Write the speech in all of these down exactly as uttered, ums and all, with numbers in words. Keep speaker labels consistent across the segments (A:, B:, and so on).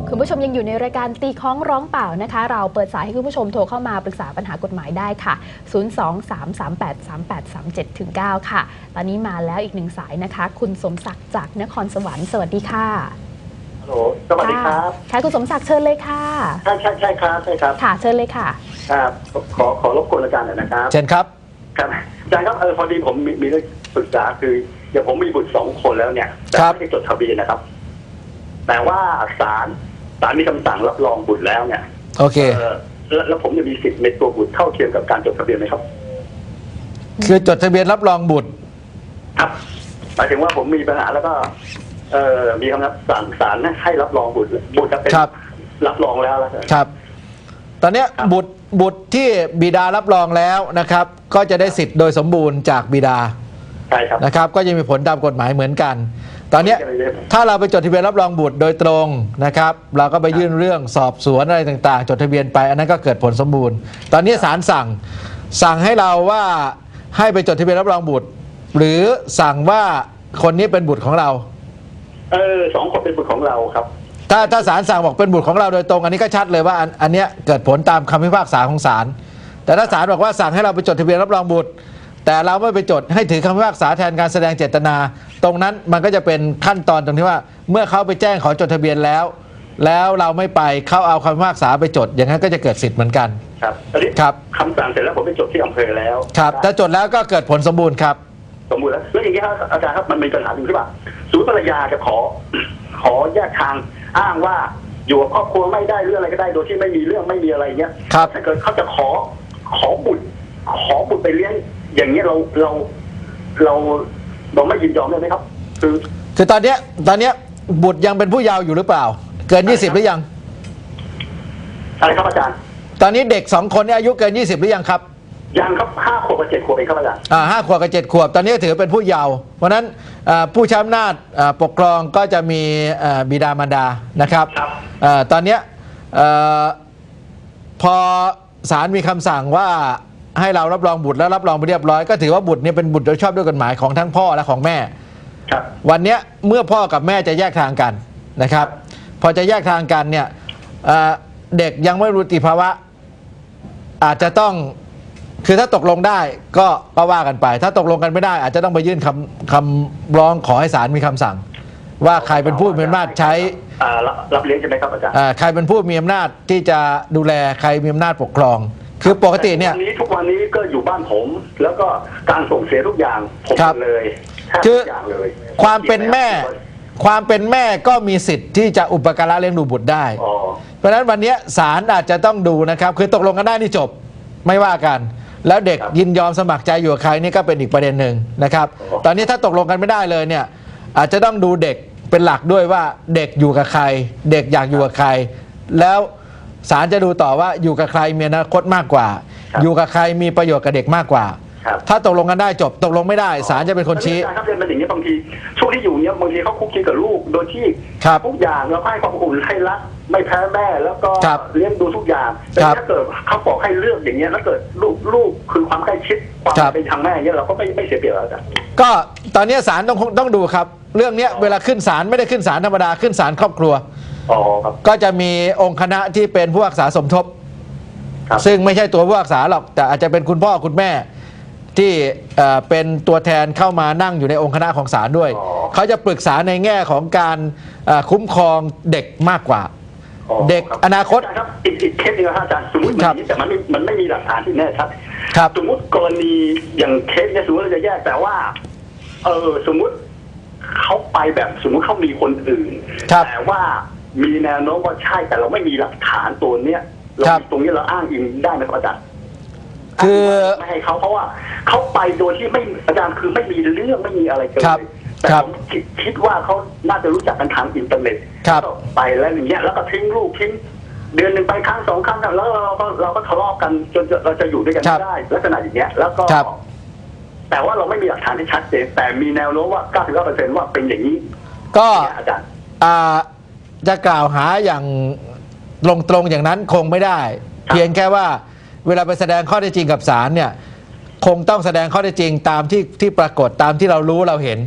A: คุณผู้ชมยังอยู่ในรายการตีค้องร้องเปล่านะคะเราเปิดสายให้คุณผู้ชมโทรเข้ามาปรึกษาปัญหากฎหมายได้ค่ะศูนย์ สอง สาม สาม แปด สาม แปด สาม เจ็ด เก้า ค่ะตอนนี้มาแล้วอีกหนึ่งสายนะคะคุณสมศักดิ์จากนครสวรรค์สวัสดีค่ะ
B: ฮัลโหลสวัสดีครับ
A: ค่ะคุณสมศักดิ์เชิญเลยค่ะ
B: ใช่ใช่ใช่ครับใช่ครับ
A: ค่ะเชิญเลยค่ะ
B: ครับขอขอรบกวนอาจารย์หน่อยนะครับ
C: เชิญครับ
B: ครับอาจารย์ครับเออพอดีผมมีมีเรื่องปรึกษาคืออย่างผมมีบุตรสองคนแล้วเนี่ยแต่ไม่ได้จดทะเบียนนะครับแต่ว่าศาลศาลมีคำสั่งรับรองบุตรแล้วเนี่ย
C: โอเค
B: แล้วแล้วผมจะมีสิทธิ์ในตัวบุตรเท่าเทียมกับการจดทะเบียนไหมครับ
C: คือจดทะเบียนรับรองบุตร
B: ครับหมายถึงว่าผมมีปัญหาแล้วก็เอ่อมีคำสั่งศาลให้รับรองบุตรบุตรจะเป็นรับรองแล้วแล้ว
C: ครับตอนนี้บุตรบุตรที่บิดารับรองแล้วนะครับก็จะได้สิทธิ์โดยสมบูรณ์จากบิดา
B: ใช่ครับ
C: นะครับก็จะมีผลตามกฎหมายเหมือนกันตอนนี้ถ้าเราไปจดทะเบียนรับรองบุตรโดยตรงนะครับเราก็ไปยื่นเรื่องสอบสวนอะไรต่างๆจดทะเบียนไปอันนั้นก็เกิดผลสมบูรณ์ตอนนี้ศาลสั่งสั่งให้เราว่าให้ไปจดทะเบียนรับรองบุตรหรือสั่งว่าคนนี้เป็นบุตรของเรา
B: เออสองคนเป็นบุตรของเราครับ
C: ถ้าถ้าศาลสั่งบอกเป็นบุตรของเราโดยตรงอันนี้ก็ชัดเลยว่าอันอันนี้เกิดผลตามคำพิพากษาของศาลแต่ถ้าศาลบอกว่าสั่งให้เราไปจดทะเบียนรับรองบุตรแต่เราไม่ไปจดให้ถือคำพิพากษาแทนการแสดงเจตนาตรงนั้นมันก็จะเป็นขั้นตอนตรงที่ว่าเมื่อเขาไปแจ้งขอจดทะเบียนแล้วแล้วเราไม่ไปเขาเอาคำพิพากษาไปจดอย่างนั้นก็จะเกิดสิทธิ์เหมือนกัน
B: ครับตอนนี้
C: ครับ
B: คำสั่งเสร็จแล้วผมไปจดที่อำเภอแล้ว
C: ครับถ้าจดแล้วก็เกิดผลสมบูรณ์ครับ
B: สมบูรณ์แล้วแล้วอย่างนี้ครับอาจารย์ครับมันมีปัญหาหนึ่งที่ว่าสมมติภรรยาจะขอขอแยกทางอ้างว่าอยู่กับครอบครัวไม่ได้หรืออะไรก็ได้โดยที่ไม่มีเรื่องไม่มีอะไรเงี้ย
C: ครับ
B: ถ้าเกิดเขาจะขอขอบุตรขอบุตรไปเลี้ยงอย่างเงี้ยเราเราเราเราไม่ยินยอมได้ไหมครับคือ
C: คือตอนเนี้ยตอนเนี้ยบุตรยังเป็นผู้เยาว์อยู่หรือเปล่าเกินยี่สิบหรือยัง
B: อะไรครับอาจารย์
C: ตอนนี้เด็กสองคนนี้อายุเกินยี่สิบหรือยังครับ
B: ยังครับห้าขวบกับเจ็ดขวบเองครับอาจารย์
C: อ่าห้าขวบกับเจ็ดขวบตอนนี้ถือเป็นผู้เยาว์เพราะนั้นผู้ใช้อำนาจปกครองก็จะมีบิดามารดานะครับตอนนี้พอศาลมีคำสั่งว่าให้เรารับรองบุตรแล้วรับรองไปเรียบร้อยก็ถือว่าบุตรนี้เป็นบุตรโดยชอบด้วยกฎหมายของทั้งพ่อและของแม่วันนี้เมื่อพ่อกับแม่จะแยกทางกันนะครับพอจะแยกทางกันเนี่ยเด็กยังไม่รู้ติภาวะอาจจะต้องคือถ้าตกลงได้ก็ก็ว่ากันไปถ้าตกลงกันไม่ได้อาจจะต้องไปยื่นคำคำร้องขอให้ศาลมีคำสั่งว่าใครเป็นผู้มีอำนาจใช้
B: รับเลี้ยงใช่ไหมครับอาจารย์
C: ใครเป็นผู้มีอำนาจที่จะดูแลใครมีอำนาจปกครองคือปกติเนี่ย
B: ทุกวันนี้ก็อยู่บ้านผมแล้วก็การส่งเสียทุกอย่างผมเลย
C: คือความเป็นแม่ความเป็นแม่ก็มีสิทธิ์ที่จะอุปการะเลี้ยงดูบุตรได้เพราะฉะนั้นวันนี้ศาลอาจจะต้องดูนะครับคือตกลงกันได้นี่จบไม่ว่ากันแล้วเด็กยินยอมสมัครใจอยู่กับใครนี่ก็เป็นอีกประเด็นหนึ่งนะครับตอนนี้ถ้าตกลงกันไม่ได้เลยเนี่ยอาจจะต้องดูเด็กเป็นหลักด้วยว่าเด็กอยู่กับใครเด็กอยากอยู่กับใครแล้วศาลจะดูต่อว่าอยู่กับใครมีอนาคตมากกว่าอยู่กับใครมีประโยชน์กับเด็กมากกว่าถ้าตกลงกันได้จบตกลงไม่ได้ศาลจะเป็นคนชี้
B: ครับเป็นอย่างนี้บางทีช่วงที่อยู่เนี้ยบางทีเขาคุกคีกับลูกโดยที่ทุกอย่างเราให้ความอุ่นให้รักไม่แพ้แม่แล้วก็เลี้ยงดูทุกอย่างแต่ถ้าเกิดเขาบอกให้เลือกอย่างเงี้ยแล้วเกิดลูกลูกคือความใกล้ชิดความเป็นทางแม่เงี้ยเราก็ไม่ไม่เสียเปรียบแล้วจ้ะ
C: ก็ตอนนี้ศาลต้องต้องดูครับเรื่องนี้เวลาขึ้นศาลไม่ได้ขึ้นศาลธรรมดาขึ้นศาลครอบครัวก็จะมีองค์คณะที่เป็นผู้พิพากษาสมทบซึ่งไม่ใช่ตัวผู้พิพากษาหรอกแต่อาจจะเป็นคุณพ่อคุณแม่ที่เป็นตัวแทนเข้ามานั่งอยู่ในองค์คณะของศาลด้วยเขาจะปรึกษาในแง่ของการคุ้มครองเด็กมากกว่าเด็กอนาคต
B: ครับอีกอีกเคสนึงครับอาจารย์สมมติมันแต่มันไม่มันไม่มีหลักฐานที่แน่ชัดสมมติกรณีอย่างเคสเนี่ยสมมติเราจะแยกแต่ว่าเออสมมติเขาไปแบบสมมติเขามีคนอื่นแต่ว่ามีแนวโน้มว่าใช่แต่เราไม่มีหลักฐานตัวเนี้ยเราตรงนี้เราอ้างอิงได้ไหมครับอาจารย์
C: คือ
B: ไม่ให้เขาเพราะว่าเขาไปโดยที่ไม่อาจารย์คือไม่มีเรื่องไม่มีอะไรเลยแต่ผมคิดว่าเขาน่าจะรู้จักกันทางอินเทอร์เน็ตไปแล้วอย่างเงี้ยแล้วก็ทิ้งลูกทิ้งเดือนหนึ่งไปครั้งสองครั้งแล้วเราก็เราก็ทะเลาะกันจนเราจะอยู่ด้วยกันไม่ได้ลักษณะอย่างเงี้ยแล้วก็แต่ว่าเราไม่มีหลักฐานที่ชัดเจนแต่มีแนวโน้มว่า เก้าสิบเก้าเปอร์เซ็นต์ ว่าเป็นอย่างนี้
C: ก็อาจารย์จะกล่าวหาอย่างตรงๆอย่างนั้นคงไม่ได้เพียงแค่ว่าเวลาไปแสดงข้อเท็จจริงกับศาลเนี่ยคงต้องแสดงข้อเท็จจริงตามที่ที่ปรากฏตามที่เรารู้เราเห็น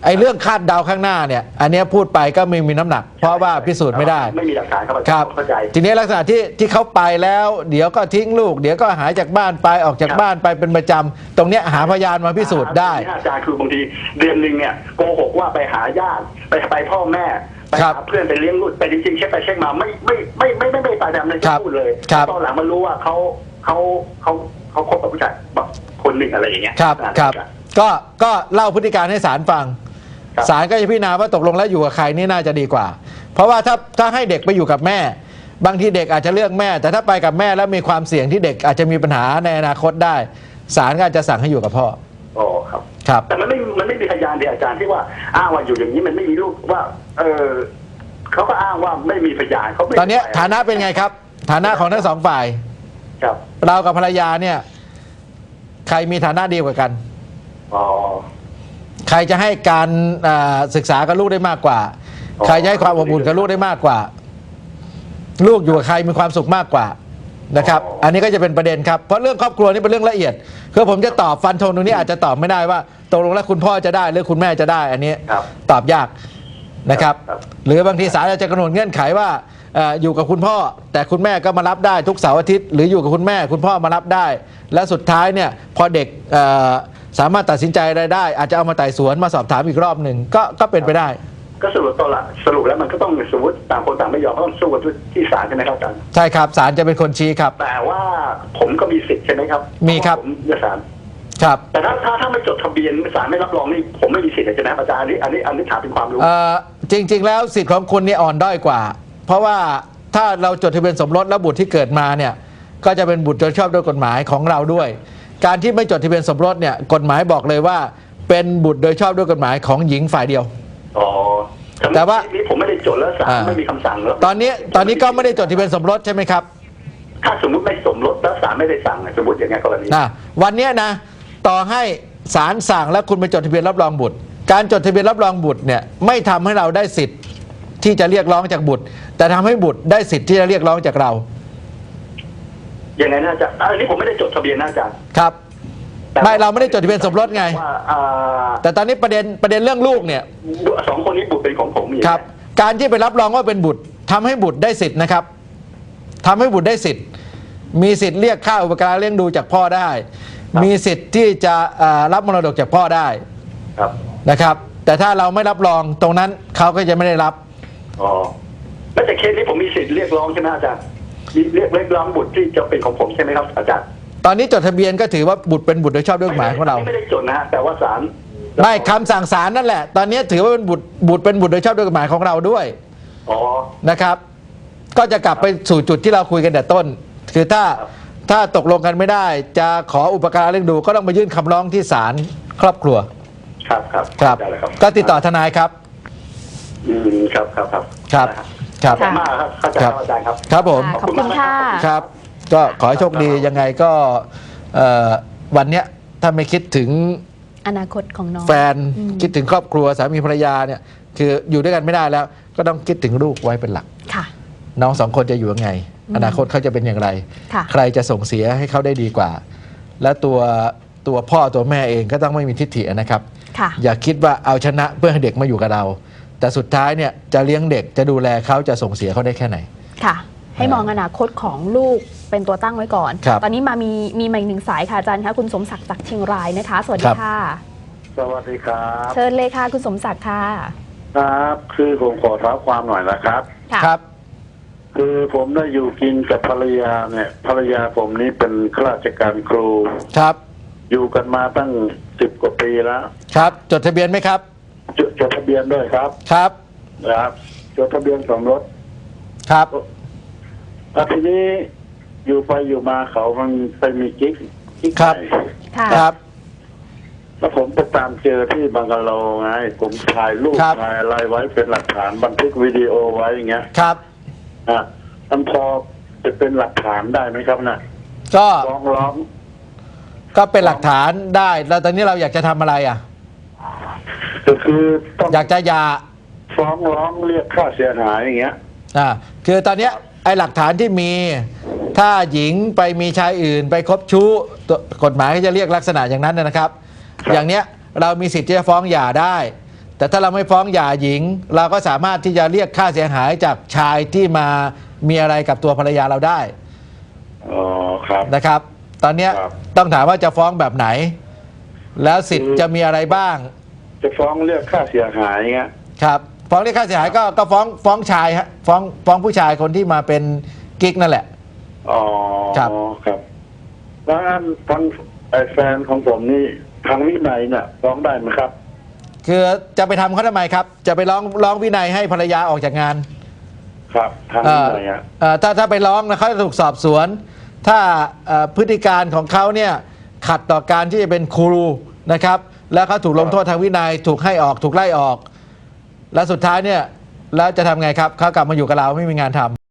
C: ไอ้เรื่องคาดเดาข้างหน้าเนี่ยอันเนี้ยพูดไปก็ไม่มีน้ำหนัก เพราะว่าพิสูจน์ไม่ได้
B: ไม่มีหลักฐานครับอา
C: ค
B: จา
C: รั
B: ร
C: บ
B: ย์เข้าใจ
C: ทีนี้ลักษณะที่ที่เขาไปแล้ว เดี๋ยวก็ทิ้งลูก เดี๋ยวก็หายจากบ้านไปออกจาก
B: ครับ
C: บ้านไปเป็นประจำตรงเนี้ยหาพยานมาพิสูจน์ได้
B: อาจารย์คือบางทีเดือนหนึ่งเนี่ยโกหกว่าไปหาญาติไปไปพ่อแม่ไป
C: ครั
B: หา
C: บ
B: เพื่อนไปเลี้ยงลูกแต่จริงๆเช็คไปเช็คมาไม่ไม่ไม่ไม่ไม่ไม่ไปตามนั้น
C: ครับ
B: พูดเลย
C: ครับ
B: ตอนหลังมารู้ว่าเขาเขาเขาเขาคบกับผู้ชายแบบคนหนึ่งอะไรอย่างเงี้ย
C: ครับ
B: อ่า
C: ครับก็ก็เล่าพฤติการให้ศาลฟัง
B: ครับ
C: ศาลก็จะพิจารณาว่าตกลงแล้วอยู่กับใครนี่น่าจะดีกว่า เพราะว่าถ้าถ้าให้เด็กไปอยู่กับแม่ บางทีเด็กอาจจะเลือกแม่ แต่ถ้าไปกับแม่แล้วมีความเสี่ยงที่เด็กอาจจะมีปัญหาในอนาคตได้ศาลก็อาจจะสั่งให้อยู่กับพ่อ
B: อ๋อครับ
C: ครับ
B: แต่มันไม่มันไม่มีพยานเดียอาจารย์ที่ว่าอ้างว่าอยู่อย่างนี้มันไม่มีลูกว่า เออเขาก็อ้างว่าไม่มีพยานเขาไม่
C: ตอนนี้
B: ไป
C: ฐานะเป็นไงครับ ฐานะของทั้งสองฝ่าย
B: ครับ
C: เรากับภรรยาเนี่ยใครมีฐานะดีกว่ากัน
B: อ๋อ
C: ใครจะให้การอ่าศึกษากับลูกได้มากกว่า
B: อ๋อ
C: ใครจะให้ความอบอุ่นกับลูกได้มากกว่า ลูกอยู่กับใครมีความสุขมากกว่านะครับ อันนี้ก็จะเป็นประเด็นครับ เพราะเรื่องครอบครัวนี่เป็นเรื่องละเอียดคือผมจะตอบฟันธงตรงนี้อาจจะตอบไม่ได้ว่าตกลงแล้วคุณพ่อจะได้หรือคุณแม่จะได้ อันนี้
B: ครับ
C: ตอบยากนะครับ
B: ครับ
C: หรือบางทีศาลอาจจะกำหนดเงื่อนไขว่าเอ่ออยู่กับคุณพ่อ แต่คุณแม่ก็มารับได้ทุกเสาร์อาทิตย์หรืออยู่กับคุณแม่คุณพ่อมารับได้ และสุดท้ายเนี่ยพอเด็กเอ่อสามารถตัดสินใจอะไรได้ อาจจะเอามาไต่สวนมาสอบถามอีกรอบหนึ่งก็ก็เป็นไปได้
B: ก็สรุปตอนละสรุปแล้วมันก็ต้องสมมติต่างคนต่างไม่ยอมก็ต้องสู้กันที่ศาลใช่ไหมครับอาจารย์
C: ใช่ครับศาลจะเป็นคนชี้ครับ
B: แต่ว่าผมก็มีสิทธิ์ใช่ไหมครับ
C: มีครับ
B: ผมเลือกศาล
C: ครับ
B: แต่ถ้าถ้าถ้าไม่จดทะเบียนศาลไม่รับรองนี่ผมไม่มีสิทธิ์ใช่ไหมครับอาจารย์อันนี้อันนี้อันนี้ถามเป็นความรู้
C: เอ่อจริง ๆ แล้วสิทธิ์ของคุณนี่อ่อนด้อยกว่า เพราะว่าถ้าเราจดทะเบียนสมรสแล้วบุตรที่เกิดมาเนี่ยก็จะเป็นบุตรโดยชอบด้วยกฎหมายของเราด้วย การที่ไม่จดทะเบียนสมรสเนี่ยกฎหมายบอกเลยว่าเป็นบุตรโดยชอบด้วยกฎหมายของหญิงฝ่ายเดียว
B: อ๋อ
C: แต่ว่า
B: นี่ผมไม่ได้จดแล้วศาล
C: อ่า
B: ไม่มีคำสั่งแล้ว
C: ตอนนี้ตอนนี้ก็ไม่ได้จดทะเบียนสมรสใช่ไหมครับ
B: ถ้าสมมติไม่สมรสแล้วศาลไม่ได้สั่งอะสมมติอย่างเงี้ยกรณี
C: นะวันเนี้ยนะต่อให้ศาลสั่งแล้วคุณไปจดทะเบียนรับรองบุตร การจดทะเบียนรับรองบุตรเนี่ยไม่ทำให้เราได้สิทธิ์ที่จะเรียกร้องจากบุตร แต่ทำให้บุตรได้สิทธิ์ที่จะเรียกร้องจากเรา
B: ยังไงนะอาจารย์อันนี้ผมไม่ได้จดทะเบียนนะอาจารย์
C: ครับ
B: แต่
C: ไม่เราไม่ได้จดทะเบียนสมรสไง
B: ว่าอ่า
C: แต่ตอนนี้ประเด็นประเด็นเรื่องลูกเนี่ย
B: สองคนนี้บุตรเป็นของผมอย่าง
C: ค
B: เงี้ย
C: รับการที่ไปรับรองว่าเป็นบุตรทำให้บุตรได้สิทธิ์นะครับทำให้บุตรได้สิทธิ์ มีสิทธิ์เรียกค่าอุปการะเลี้ยงดูจากพ่อได้ มีสิทธิ์ที่จะอ่ารับมรดกจากพ่อได้
B: ครับ
C: นะครับ แต่ถ้าเราไม่รับรองตรงนั้นเขาก็จะไม่ได้รับ
B: อ๋อแล้วแต่เคสนี้ผมมีสิทธิ์เรียกร้องใช่ไหมอาจารย์มีเรียกเรียกร้องบุตรที่จะเป็นของผมใช่ไหมครับอาจารย์
C: ตอนนี้จดทะเบียนก็ถือว่าบุตรเป็นบุตรโดยชอบด้วยกฎหมายของเรา
B: ไม่ได้จดนะฮะแต่ว่าศาล
C: ไม่คำสั่งศาลนั่นแหละ ตอนนี้ถือว่าเป็นบุตรบุตรเป็นบุตรโดยชอบด้วยกฎหมายของเราด้วย
B: อ๋อ
C: นะครับ ก็จะกลับไปสู่จุดที่เราคุยกันแต่ต้น คือถ้า
B: ครับ
C: ถ้าตกลงกันไม่ได้ จะขออุปการะเลี้ยงดูก็ต้องไปยื่นคำร้องที่ศาลครอบครัว
B: ครับครับ
C: ครับ
B: ได้เลยครับ
C: ก็ติดต่อทนายครับ
B: อืมครับครับครับ
C: ครับ
B: ได้
C: ครับ
B: ขอบคุณมากครับเข้าใจครับอาจารย์ครับ
C: ครับผม
A: ขอบคุณค่ะ
C: ครับ ก็ขอให้โชคดียังไงก็เอ่อวันเนี้ยถ้าไม่คิดถึง
A: อนาคตของน้อง
C: แฟน
A: อืม
C: คิดถึงครอบครัวสามีภรรยาเนี่ยคืออยู่ด้วยกันไม่ได้แล้ว ก็ต้องคิดถึงลูกไว้เป็นหลัก
A: ค่ะ
C: น้องสองคนจะอยู่ยังไง
A: อืม
C: อนาคตเขาจะเป็นอย่างไร
A: ค่ะ
C: ใครจะส่งเสียให้เขาได้ดีกว่า และตัวตัวพ่อตัวแม่เองก็ต้องไม่มีทิฐินะครับ
A: ค่ะ
C: อย่าคิดว่าเอาชนะเพื่อให้เด็กมาอยู่กับเรา แต่สุดท้ายเนี่ยจะเลี้ยงเด็กจะดูแลเขาจะส่งเสียเขาได้แค่ไหน
A: ค่ะ ให้มองอนาคตของลูกเป็นตัวตั้งไว้ก่อน
C: ครับ
A: ตอนนี้มามีมีมาอีกหนึ่งสายค่ะอาจารย์คะคุณสมศักดิ์จากเชียงรายนะคะ สวัส
C: ค
A: ดี
C: รับ
A: ค่ะ
B: สวัสดีครับ
A: เชิญเลยค่ะคุณสมศักดิ์ค่ะ
B: ครับ คือผมขอท้าความหน่อยนะครับ
A: ค่ะ
C: ครับ
B: คือผมได้อยู่กินกับภรรยาเนี่ยภรรยาผมนี้เป็นข้าราชการครู
C: ครับ
B: อยู่กันมาตั้งสิบกว่าปีแล้ว
C: ครับจดทะเบียนไหมครับ
B: จดจดทะเบียนด้วยครับ
C: ครับ
B: นะครับจดทะเบียนสมรส
C: ครับ
B: แล้วทีนี้อยู่ไปอยู่มาเขามันไปมีกิ๊กกิ๊ก
C: ครับ
B: ใหม่
A: ค่ะ
C: ครับ
B: แล้วผมไปตามเจอที่บังกะโลไงผมถ่ายรูป
C: ครับ
B: ถ่ายอะไรไว้เป็นหลักฐานบันทึกวิดีโอไว้อย่างเงี้ย
C: ครับ
B: อ่ะมันพอจะเป็นหลักฐานได้ไหมครับน่ะ
C: ก็
B: ฟ้องร้อง
C: ก็เป็นหลักฐานได้แล้วตอนนี้เราอยากจะทำอะไรอ่ะ
B: ก็คือต้อง
C: อยากจะหยา
B: ฟ้องร้องเรียกค่าเสียหายอย่างเงี้ย
C: อ่าคือตอนเนี้ยไอ้หลักฐานที่มีถ้าหญิงไปมีชายอื่นไปคบชู้ตัวกฎหมายก็จะเรียกลักษณะอย่างนั้นนะครับ
B: ครับ
C: อย่างเนี้ยเรามีสิทธิ์ที่จะฟ้องหย่าได้ แแต่ถ้าเราไม่ฟ้องหย่าหญิง เราก็สามารถที่จะเรียกค่าเสียหายจากชายที่มามีอะไรกับตัวภรรยาเราได้
D: อ๋อครับ
C: นะครับ ตอนเนี้ย
D: ครับ
C: ต้องถามว่าจะฟ้องแบบไหน แล้วสิทธิ์จะมีอะไรบ้าง
D: จะฟ้องเรียกค่าเสียหายเงี้ย
C: ครับฟ้องเรียกค่าเสียหายก็ก็ฟ้องฟ้องชายฮะฟ้องฟ้องผู้ชายคนที่มาเป็นกิ๊กนั่นแหละ
D: อ๋อ
C: ครับ
D: ครับแล้วอันทางไอ้แฟนของผมนี่ทางวินัยเนี่ยฟ้องได้ไหมครับ
C: คือจะไปทำเขาทำไมครับ จะไปร้องร้องวินัยให้ภรรยาออกจากงาน
D: ครับทาง
C: เอ่
D: วิ
C: อ
D: นัยอ่ะ
C: เอ่อถ้าถ้าไปร้องนะเขาจะถูกสอบสวน ถ้าเอ่อพฤติการของเขาเนี่ยขัดต่อการที่จะเป็นครูนะครับ แล้วเขาถูกลงโทษทางวินัยถูกให้ออกถูกไล่ออก แล้วสุดท้ายเนี่ยแล้วจะทำไงครับเขากลับมาอยู่กับเราไม่มีงานทำ